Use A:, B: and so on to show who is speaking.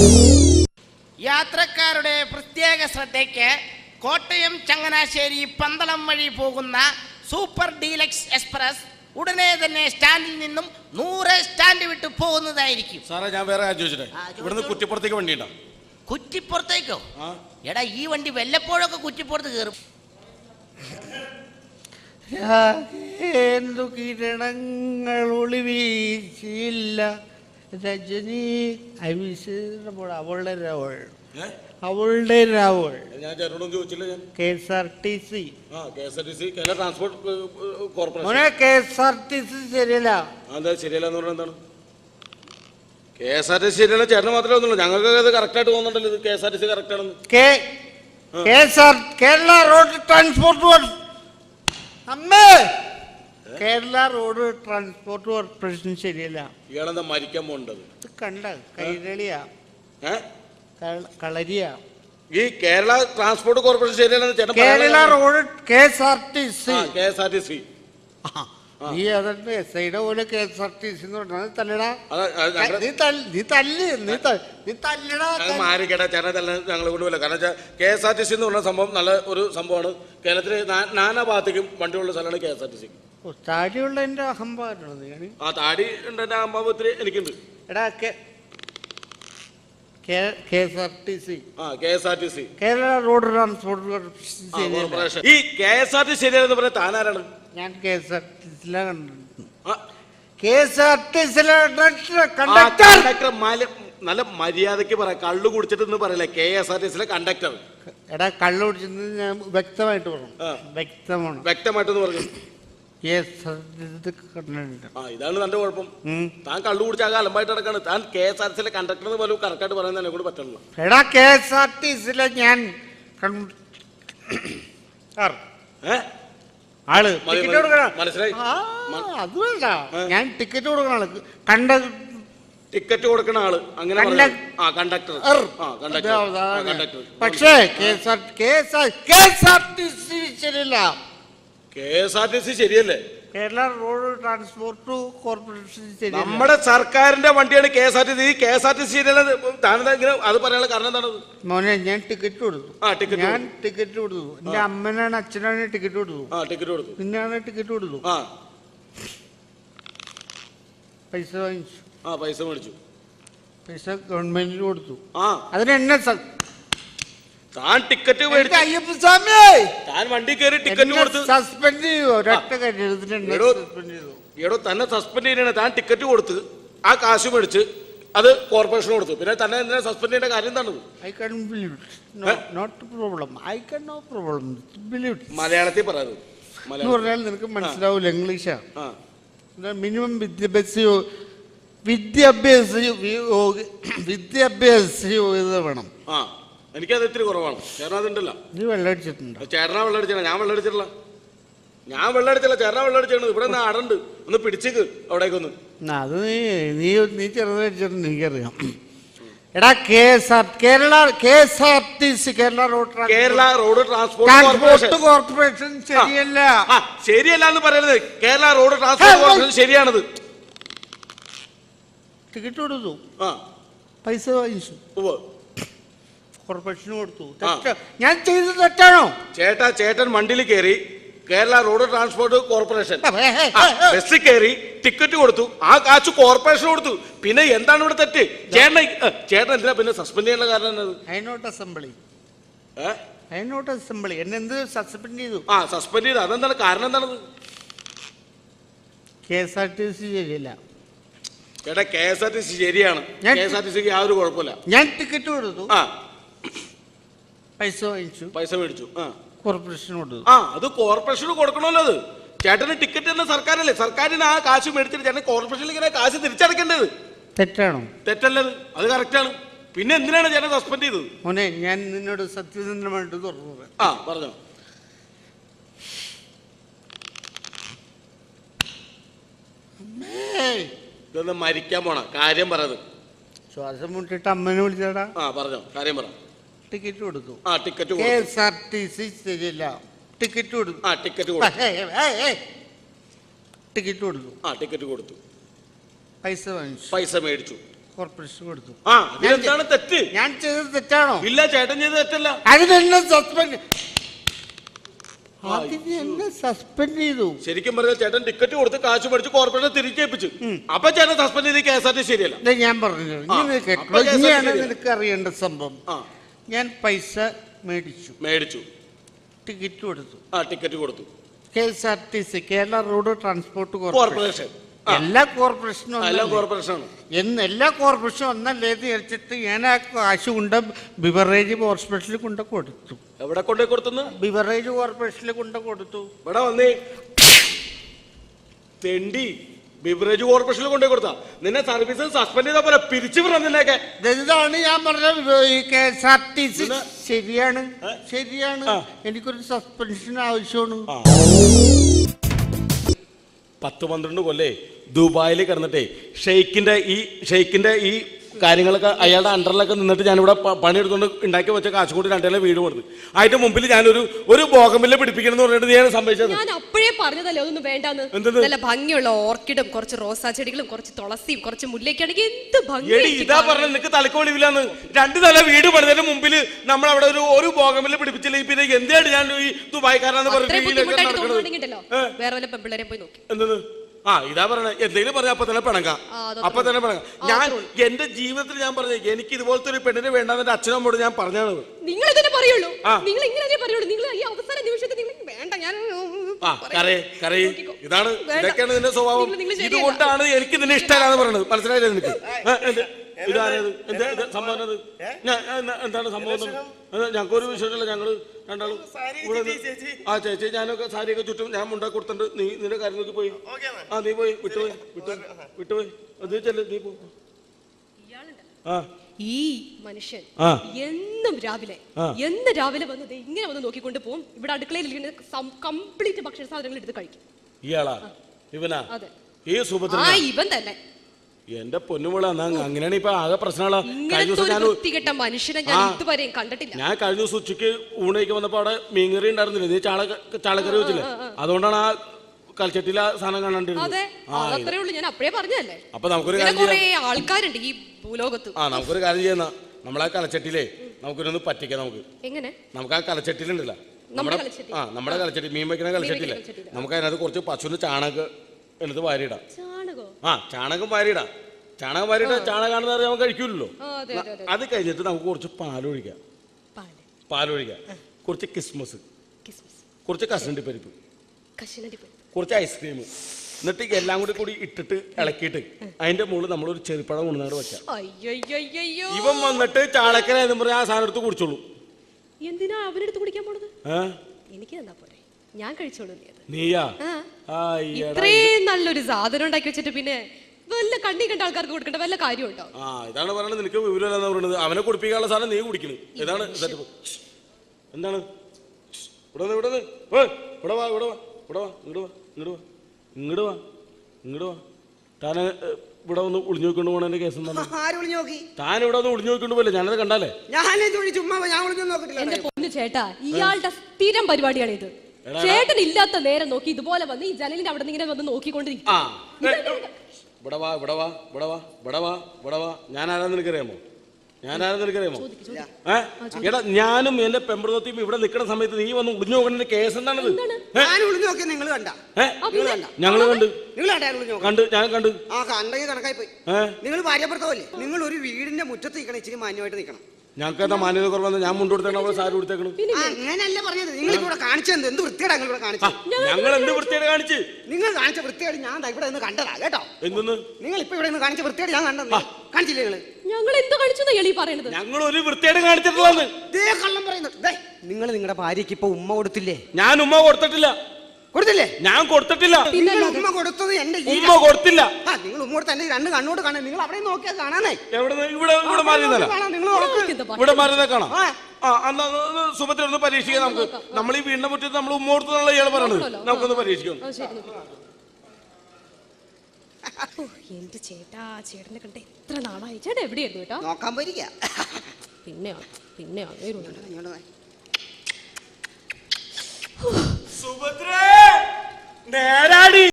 A: യാത്രക്കാരുടെ പ്രത്യേക ശ്രദ്ധയ്ക്ക് കോട്ടയം ചങ്ങനാശ്ശേരി പന്തളം വഴി പോകുന്ന സൂപ്പർ ഡീലക്സ് എക്സ്പ്രസ് ഉടനെ തന്നെ സ്റ്റാൻഡിൽ നിന്നും 100 സ്റ്റാൻഡ് വിട്ട് പോകുന്നതായിരിക്കും.
B: സാറേ ഞാൻ വേറെ ചോദിച്ചിട്ടേ, ഇവിടുന്ന് കുറ്റിപ്പുറത്തേക്ക് വണ്ടി ഉണ്ടോ?
A: കുറ്റിപ്പുറത്തേക്കോ? എടാ ഈ വണ്ടി വല്ലപ്പോഴൊക്കെ കുറ്റിപ്പുറത്ത് കയറും.
C: എന്തു കിരണങ്ങൾ ഒളിവീശില്ല രജനി അവിശേഷപ്പോൾ അവളുടെ രാവൾ അവളുടെ രാവൾ.
B: ഞാൻ ചേട്ടനോടും ചോദിച്ചില്ല. ഞാൻ
C: KSRTC
B: Kerala transport corporation.
C: KSRTC ശരിയല്ല.
B: അതെന്താ ശരിയല്ല എന്ന് പറഞ്ഞാൽ എന്താണ്? KSRTC ശരിയല്ല ചേട്ടന് മാത്രമേ ഒന്നുള്ളൂ, ഞങ്ങൾക്ക് അത് കറക്റ്റ് ആയിട്ട് തോന്നുന്നുണ്ടല്ലോ. ഇത് KSRTC കറക്റ്റ് ആണെന്ന്.
C: കേരള റോഡ് ട്രാൻസ്പോർട്ട് അമ്മേ കേരള റോഡ് ട്രാൻസ്പോർട്ട് കോർപ്പറേഷൻ ശരിയല്ല.
B: ഇയാളെന്താ മരിക്കാൻ പോണ്ടത്?
C: കണ്ട കൈരളിയാ കളരിയാ.
B: ഈ കേരള ട്രാൻസ്പോർട്ട് കോർപ്പറേഷൻ ശരിയല്ലെന്ന് ചേട്ടൻ.
C: Kerala road KSRTC. നീ അതെ SIയുടെ പോലെ KSRTC എന്ന് പറഞ്ഞാൽ തല്ലടാ. നീ തല്ലടാ.
B: മാറിക്കേട്ടാ ചേട്ടാ തല്ല ഞങ്ങൾ കൊണ്ടുപോയില്ല. കാരണം വെച്ചാൽ KSRTC എന്ന് പറഞ്ഞ സംഭവം നല്ല ഒരു സംഭവമാണ്. കേരളത്തിലെ നാനാ ഭാഗത്തേക്കും വണ്ടിയുള്ള സ്ഥലമാണ് KSRTC.
C: താടിയുള്ള എന്റെ അഹംഭാവമാണ്.
B: ആ താടി ഉണ്ട്, എന്റെ അഹംഭാവത്തിൽ എനിക്കുണ്ട്.
C: എടാ KSRTC
B: Kerala
C: road transport corporation.
B: ഈ KSRTC ശരിയാണെന്ന് പറഞ്ഞാൽ താനാരാണ്?
C: ഞാൻ KSRTC കണ്ടക്ടർ.
B: നല്ല മര്യാദക്ക് പറയാം, കള്ളു കുടിച്ചിട്ട് പറയില്ല. KSRTC conductor.
C: എടാ കള്ളു കുടിച്ചത് ഞാൻ വ്യക്തമായിട്ട് പറഞ്ഞു.
B: വ്യക്തമായിട്ടെന്ന് പറഞ്ഞു. ഇതാണ് തന്റെ കുഴപ്പം. താൻ കള്ളു കുടിച്ചാൽ അലമ്പായിട്ട് നടക്കാണ്. താൻ KSRTC കണ്ടക്ടർ എന്ന് പോലും കറക്റ്റായിട്ട് പറയാൻ എന്നെ കൂടെ പറ്റുള്ളൂ.
C: എടാ KSRTC ഞാൻ ആള്
B: മനസ്സിലായി.
C: അത് വേണ്ട, ഞാൻ ടിക്കറ്റ് കൊടുക്കണ ആള്
B: ടിക്കറ്റ് കൊടുക്കണ ആള് അങ്ങനെ കണ്ടക്ടർ.
C: പക്ഷേ KSRTC ശരിയല്ല.
B: KSRTC ശരിയല്ലേ?
C: കേരള റോഡ് ട്രാൻസ്പോർട്ട് കോർപ്പറേഷൻ ശരിയല്ല.
B: നമ്മുടെ സർക്കാരിന്റെ വണ്ടിയാണ് KSRTC. KSRTC ശരിയല്ല. താനെന്താ ഇങ്ങനെ അത് പറയാനുള്ള കാരണം എന്താണ്?
C: മോനെ ഞാൻ ടിക്കറ്റ് കൊടുത്തു. ടിക്കറ്റ് കൊടുത്തു. എന്റെ അമ്മനാണ് അച്ഛനാണ് ടിക്കറ്റ് കൊടുത്തു.
B: ടിക്കറ്റ് കൊടുത്തു.
C: പിന്നെയാണ് ടിക്കറ്റ് കൊടുത്തു. പൈസ വാങ്ങിച്ചു.
B: പൈസ മേടിച്ചു.
C: പൈസ ഗവൺമെന്റിന് കൊടുത്തു. അതിനെന്നെ
B: താൻ ടിക്കറ്റ്
C: അയ്യപ്പസ്വാമി
B: താൻ വണ്ടി കയറി ടിക്കറ്റ് കൊടുത്ത്
C: സസ്പെൻഡ് ചെയ്തു.
B: എടോ തന്നെ സസ്പെൻഡ് ചെയ്യണ. താൻ ടിക്കറ്റ് കൊടുത്ത് ആ കാശ് മേടിച്ച് അത് കോർപ്പറേഷൻ കൊടുത്തു. പിന്നെ തന്നെ എന്തിനാ സസ്പെൻഡ് ചെയ്യേണ്ട കാര്യം എന്താണ്? മലയാളത്തിൽ പറയാത്.
C: പറഞ്ഞാൽ നിനക്ക് മനസ്സിലാവൂല. ഇംഗ്ലീഷാ. മിനിമം വിദ്യാഭ്യാസ യോഗ്യത വേണം.
B: എനിക്കത് ഇത്തിരി കുറവാണ്. ചേട്ടൻ അതുണ്ടല്ലോ.
C: നീ വെള്ളമടിച്ചിട്ടുണ്ടോ?
B: ചേട്ടനാ വെള്ളമടിച്ചാ? ഞാൻ വെള്ളമടിച്ചിട്ടില്ല. ചേട്ടനാ വെള്ളമടിച്ചാണ്. ഇവിടെ നിന്ന് അടണ്ട് ഒന്ന് പിടിച്ചേക്ക് അവിടേക്കൊന്ന്.
C: അത് നീ ചെറുതടിച്ചിട്ടുണ്ട്, എനിക്കറിയാം. എടാ KSRTC Kerala road transport corporation ശരിയല്ല.
B: ശരിയല്ല എന്ന് പറയുന്നത്. കേരള റോഡ് ട്രാൻസ്പോർട്ട് കോർപ്പറേഷൻ ശരിയാണത്.
C: ടിക്കറ്റ് കൊടുത്തു. പൈസ വാങ്ങിച്ചു. കോർപ്പറേഷന് കൊടുത്തു. ഞാൻ ചെയ്തത് തെറ്റാണോ?
B: ചേട്ടൻ വണ്ടിയിൽ കയറി കേരള റോഡ് ട്രാൻസ്പോർട്ട് കോർപ്പറേഷൻ ബസ്സിൽ കയറി ടിക്കറ്റ് കൊടുത്തു. ആ കാശ് കോർപ്പറേഷൻ കൊടുത്തു. പിന്നെ എന്താണ് ഇവിടെ തെറ്റ്? ചേട്ടൻ എന്തിനാ പിന്നെ സസ്പെൻഡ് ചെയ്യാനുള്ള കാരണം എന്നത്?
C: അസംബ്ലി എന്നെ എന്ത് സസ്പെൻഡ് ചെയ്തു?
B: സസ്പെൻഡ് ചെയ്തു. അതെന്താണ് കാരണം? എന്താണത്?
C: KSRTC ശരിയല്ല.
B: ചേട്ടാ KSRTC ശരിയാണ്. KSRTCക്ക് യാതൊരു കുഴപ്പമില്ല.
C: ഞാൻ ടിക്കറ്റ് കൊടുത്തു. പൈസ
B: മേടിച്ചു.
C: കോർപ്പറേഷൻ കൊടുത്തു.
B: അത് കോർപ്പറേഷന് കൊടുക്കണമല്ലോ. അത് ചേട്ടന് ടിക്കറ്റ് തന്നെ സർക്കാരല്ലേ. സർക്കാരിന് ആ കാശ് മേടിച്ചിട്ട് ചേട്ടൻ കോർപ്പറേഷനിൽ ഇങ്ങനെ കാശ് തിരിച്ചടക്കേണ്ടത്
C: തെറ്റാണോ?
B: തെറ്റല്ലത്. അത് കറക്റ്റാണ്. പിന്നെ എന്തിനാണ് ചേട്ടൻ സസ്പെൻഡ് ചെയ്തത്?
C: മോനെ ഞാൻ നിന്നോട് സത്യസന്ധമായിട്ട് തുറന്നു പറയാം.
B: പറഞ്ഞോ. ഇതൊന്ന് മരിക്കാൻ പോണ കാര്യം പറയത്.
C: ശ്വാസം മുട്ടിട്ട് അമ്മനെ വിളിച്ചാടാ.
B: പറഞ്ഞോ, കാര്യം പറ.
C: ടിക്കറ്റ് കൊടുത്തു.
B: ടിക്കറ്റ്
C: KSRTC ശരിയല്ല. ടിക്കറ്റ് കൊടുത്തു.
B: ടിക്കറ്റ് കൊടുത്തു.
C: പൈസ വാങ്ങിച്ചു.
B: പൈസ മേടിച്ചു.
C: കോർപ്പറേഷൻ കൊടുത്തു.
B: ആ എന്താണ് തെറ്റ്?
C: ഞാൻ ചെയ്തത് തെറ്റാണോ?
B: ഇല്ല, ചേട്ടൻ ചെയ്ത് തെറ്റല്ല.
C: അതിനെന്നെ സസ്പെൻഡ് സസ്പെൻഡ് ചെയ്തു.
B: ശരിക്കും പറഞ്ഞാൽ ചേട്ടൻ ടിക്കറ്റ് കൊടുത്ത് കാശ് മേടിച്ച് കോർപ്പറേഷൻ തിരിച്ചേൽപ്പിച്ചു. അപ്പൊ ചേട്ടൻ സസ്പെൻഡ് ചെയ്ത് KSRTC ശരിയല്ല.
C: ഞാൻ പറഞ്ഞു ഇനിയാണ് നിനക്ക് അറിയേണ്ട സംഭവം. ഞാൻ പൈസ മേടിച്ചു ടിക്കറ്റ് കൊടുത്തു.
B: ടിക്കറ്റ് കൊടുത്തു.
C: KSRTC Kerala road transport
B: corporation
C: എല്ലാ കോർപ്പറേഷനും എല്ലാ കോർപ്പറേഷനും ഒന്നല്ലേ വിചാരിച്ചിട്ട് ഞാൻ ആ കാശ് കൊണ്ട് ബിവറേജ് ഹോസ്പിറ്റലിൽ കൊണ്ട് കൊടുത്തു.
B: എവിടെ കൊണ്ടേ കൊടുത്തു?
C: ബിവറേജ് കോർപ്പറേഷനിൽ കൊണ്ട് കൊടുത്തു.
B: ഇവിടെ വന്നേ തെണ്ടി, ബിവറേജ് കോർപ്പറേഷനിൽ കൊണ്ടേ കൊടുത്താ നിന്നെ സർവീസ് സസ്പെൻഡ് ചെയ്താ പോലെ പിരിച്ചു വിടുന്നതിനൊക്കെ.
C: ഇതാണ് ഞാൻ പറഞ്ഞത്. KSRTC ശരിയാണ്. എനിക്കൊരു സസ്പെൻഷൻ ആവശ്യമാണ്.
B: 10-12 കൊല്ലേ ദുബായിൽ കിടന്നിട്ടേ ഷെയ്ക്കിന്റെ ഈ കാര്യങ്ങളൊക്കെ അയാളുടെ അണ്ടറിലൊക്കെ നിന്നിട്ട് ഞാനിവിടെ പണിയെടുത്തുകൊണ്ട് ഉണ്ടാക്കി വെച്ച കാശ് കൊണ്ട് 2 വീട് കൊടുത്തു. അതിന്റെ മുമ്പിൽ ഞാനൊരു ബോഗമില്ല പിടിപ്പിക്കണം എന്ന് പറഞ്ഞിട്ട് ഞാൻ സംഭവിച്ചത്.
D: ഞാൻ അപ്പോഴേ പറഞ്ഞതല്ലേ അതൊന്നും വേണ്ടാന്ന്. നല്ല ഭംഗിയുള്ള ഓർക്കിഡും കുറച്ച് റോസാ ചെടികളും കുറച്ച് തുളസിയും കുറച്ച് മുല്ലയ്ക്കാണെങ്കിൽ എന്ത് ഭംഗി.
B: ഇതാ പറഞ്ഞ നിനക്ക് തലക്ക് വെളിവില്ലാന്ന്. 2 നില വീട് പണിതതിന് മുമ്പിൽ നമ്മൾ അവിടെ ഒരു ബോഗമില്ല പിടിപ്പിച്ചില്ല. പിന്നെ എന്താണ് ഞാൻ ഈ ദുബായ്ക്കാരാന്ന്
D: പറഞ്ഞിട്ടുണ്ടല്ലോ വേറെ വല്ല പെമ്പിള്ളേരെ പോയി നോക്കി.
B: എന്തെന്ന്? ഇതാ പറഞ്ഞ എന്തെങ്കിലും പറഞ്ഞ അപ്പൊ തന്നെ പിണങ്ങാം. ഞാൻ എന്റെ ജീവിതത്തിൽ ഞാൻ പറഞ്ഞ എനിക്ക് ഇതുപോലത്തെ ഒരു പെണ്ണിനെ വേണ്ടാന്ന് എന്റെ അച്ഛനും അമ്മയോട് ഞാൻ പറഞ്ഞാണ്.
D: നിങ്ങൾ ഇതിനെ പറയുള്ളൂ, നിങ്ങൾ ഇങ്ങനെ പറയുള്ളൂ. നിങ്ങൾ ഈ അവസാന നിമിഷത്തിൽ നിങ്ങൾ വേണ്ട ഞാൻ
B: ഇതാണ് ഇതൊക്കെയാണ് നിന്റെ സ്വഭാവം. ഇതുകൊണ്ടാണ് എനിക്ക് നിന്നെ ഇഷ്ടമല്ലാന്ന് പറയുന്നത്. മനസ്സിലായില്ലേ നിനക്ക്? സംഭവം എന്താണ് സംഭവം? ഞങ്ങൾക്കൊരു വിഷയമില്ല. ഞങ്ങള് രണ്ടാളും ചേച്ചി ഞാനൊക്കെ സാരിയൊക്കെ ചുറ്റും ഞാൻ മുണ്ടാക്കി കൊടുത്തിട്ടുണ്ട്. നീ നിന്റെ കാര്യം നോക്കി പോയി. നീ പോയി വിട്ടുപോയി അത് ചെല്ല നീ പോ.
D: ഈ മനുഷ്യൻ എന്നും രാവിലെ വന്നത് ഇങ്ങനെ വന്ന് നോക്കിക്കൊണ്ട് പോകും. ഇവിടെ അടുക്കളയിൽ കംപ്ലീറ്റ് ഭക്ഷണ സാധനങ്ങൾ എടുത്ത് കഴിക്കും.
B: ഇയാളാ? ഇവനാ?
D: അതെ,
B: ഈ സുഭദ്ര
D: ഇവൻ തന്നെ.
B: എന്റെ പൊന്നുമുള്ള അങ്ങനെയാണ് ഇപ്പൊ ആകെ പ്രശ്നങ്ങളാ.
D: മനുഷ്യനെ ഞാൻ ഇതുവരെയും കണ്ടിട്ടില്ല.
B: ഞാൻ കഴിഞ്ഞ ദിവസം ഉച്ചക്ക് ഊണയ്ക്ക് വന്നപ്പോ അവിടെ മീൻകറി ഉണ്ടായിരുന്നില്ല. നീ ചാളക്കറി വെച്ചില്ലേ? അതുകൊണ്ടാണ് ആ കൽച്ചട്ടിയിലെ സാധനം കാണാണ്ടിരുന്നത്.
D: ഞാൻ അപ്പഴേ പറഞ്ഞതല്ലേ.
B: അപ്പൊ നമുക്കൊരു
D: ആൾക്കാരുണ്ട് ഈ ഭൂലോകത്ത്.
B: നമുക്കൊരു കാര്യം ചെയ്യുന്ന നമ്മളെ കലച്ചട്ടിയിലേ നമുക്കൊരു പറ്റിക്കാം. നമുക്ക് ആ കലച്ചട്ടിയിലുണ്ടല്ലോ നമ്മുടെ കലച്ചട്ടി, മീൻ വയ്ക്കുന്ന കലച്ചട്ടിയില്ലേ, നമുക്ക് അതിനകത്ത് കുറച്ച് പശുവിന്റെ ചാണകം എടുത്ത് വാരിയിടാം. ചാണകം വാരിയിടാം. ചാണകാണെന്ന് അറിയാൻ നമുക്ക് കഴിക്കൂലല്ലോ. അത് കഴിഞ്ഞിട്ട് നമുക്ക് കുറച്ച് പാലൊഴിക്കാം. കുറച്ച് കിസ്മസ്, കുറച്ച് കശുവണ്ടി പരിപ്പ്, കുറച്ച് ഐസ്ക്രീം, എന്നിട്ട് എല്ലാം കൂടി ഇട്ടിട്ട് ഇളക്കിയിട്ട് അതിന്റെ മുകളിൽ നമ്മളൊരു ചെറുപ്പഴം കൊണ്ടുനാട് വെക്കാം. ഇവൻ വന്നിട്ട് ചാളക്കര എന്ന് പറഞ്ഞാൽ ആ സാധനം എടുത്ത് കുടിച്ചോളൂ.
D: എന്തിനാ അവനെടുത്ത് കുടിക്കാൻ പോണത്? എനിക്ക് തന്നാ പോരെ, ഞാൻ കഴിച്ചോളൂ.
B: നീയാ
D: ഇത്രയും നല്ലൊരു സാധനം ഉണ്ടാക്കി വെച്ചിട്ട് പിന്നെ വല്ല കണ്ണി കണ്ട ആൾക്കാർക്ക് കൊടുക്കേണ്ട വല്ല കാര്യമുണ്ടോ?
B: ഇതാണ് പറയുന്നത്. നിനക്ക് വിവരമല്ലെന്നാ പറയുന്നത്. അവനെ കുടിപ്പിക്കാനുള്ള സാധനം നീ കുടിക്കണ്. ഇതാണ് എന്താണ്? താൻ ഇവിടെ ഒന്ന് ഒളിഞ്ഞു നോക്കിക്കൊണ്ട് പോണ കേസ് എന്താണ്? താൻ ഇവിടെ ഒന്ന് ഒളിഞ്ഞു നോക്കിക്കൊണ്ട് പോലെ ഞാനത് കണ്ടാലേ.
D: എന്റെ പൊന്നു ചേട്ടാ, ഇയാളുടെ സ്ഥിരം പരിപാടിയാണ് ഇത്. ചേട്ടൻ ഇല്ലാത്ത നേരം നോക്കി ഇതുപോലെ വന്ന് ഈ ജനലിന്റെ അവിടെ ഇങ്ങനെ വന്ന് നോക്കിക്കൊണ്ടിരിക്കും.
B: ഞാൻ ആരാന്ന് നിനക്കറിയാമോ? എടാ, ഞാനും എന്റെ പെമ്പറത്തെയും ഇവിടെ നിൽക്കുന്ന സമയത്ത് നീ വന്ന് ഒളിഞ്ഞു നോക്കേണ്ട കേസ് എന്താണത്? ഞങ്ങള് കണ്ട് ഞാൻ കണ്ടു.
E: കണക്കായി പോയി. നിങ്ങൾ ഭാര്യഭർത്താവല്ലേ? നിങ്ങൾ ഒരു വീടിന്റെ മുറ്റത്ത് നിൽക്കണം, ഇച്ചിരി മാന്യമായിട്ട് നിൽക്കണം.
B: ഞങ്ങൾക്ക് എന്താ മാന്യത കുറവെന്ന്? ഞാൻ മുണ്ടെടുത്തേക്കണം, സാരി കൊടുത്തേക്കണം.
E: അങ്ങനല്ല പറഞ്ഞത്. നിങ്ങൾ ഇവിടെ കാണിച്ചത് എന്ത് വൃത്തിയാണ്? നിങ്ങൾ ഇവിടെ കാണിച്ചത്
B: ഞങ്ങൾ എന്ത് വൃത്തിയാണ് കാണിച്ച്?
E: നിങ്ങൾ കാണിച്ച വൃത്തിയാണ് ഞാൻ ഇവിടെ നിന്ന് കണ്ടതാ കേട്ടോ.
B: എന്തെന്ന്?
E: നിങ്ങൾ ഇപ്പൊ ഇവിടെ നിന്ന് കാണിച്ച വൃത്തിയാണ് ഞാൻ കണ്ടത്. കാണിച്ചില്ലേ നിങ്ങൾ?
D: ഞങ്ങൾ എന്ത് കാണിച്ചു പറയുന്നത്?
B: ഞങ്ങൾ ഒരു വൃത്തിയാണ് കാണിച്ചിട്ടുള്ളത്.
E: കള്ളം പറയുന്നത്. നിങ്ങൾ നിങ്ങളുടെ ഭാര്യക്ക് ഇപ്പൊ ഉമ്മ കൊടുത്തില്ലേ?
B: ഞാൻ ഉമ്മ കൊടുത്തിട്ടില്ല.
E: കൊടുത്തില്ലേ?
B: ഞാൻ കൊടുത്തിട്ടില്ല.
E: ഉമ്മ കൊടുത്തത് എന്റെ
B: ഉമ്മ കൊടുത്തില്ല.
E: നിങ്ങൾ ഉമ്മ കൊടുത്ത എന്റെ 2 കണ്ണോട് കാണാൻ. നിങ്ങൾ അവിടെ നോക്കിയാൽ കാണാനേ.
B: ഇവിടെ മാറിയതല്ല, ഇവിടെ മാറിയതേ കാണാം. സുഭദ്ര ഒന്ന് പരീക്ഷിക്കാം നമുക്ക്. നമ്മൾ ഈ വീടിന്റെ മുറ്റത്ത് നമ്മൾ ഉമ്മ കൊടുത്തതാണല്ലോ ഇയാൾ പറയുന്നത്. നമുക്കൊന്ന് പരീക്ഷിക്കാം.
D: എന്റെ ചേട്ടാ, ചേട്ടനെ കണ്ട എത്ര നാളായി. ചേട്ടാ എവിടെയായിരുന്നു കേട്ടോ?
E: നോക്കാൻ പോയിരിക്കാ.
D: പിന്നെ
B: സുഭദ്ര നേരാടി.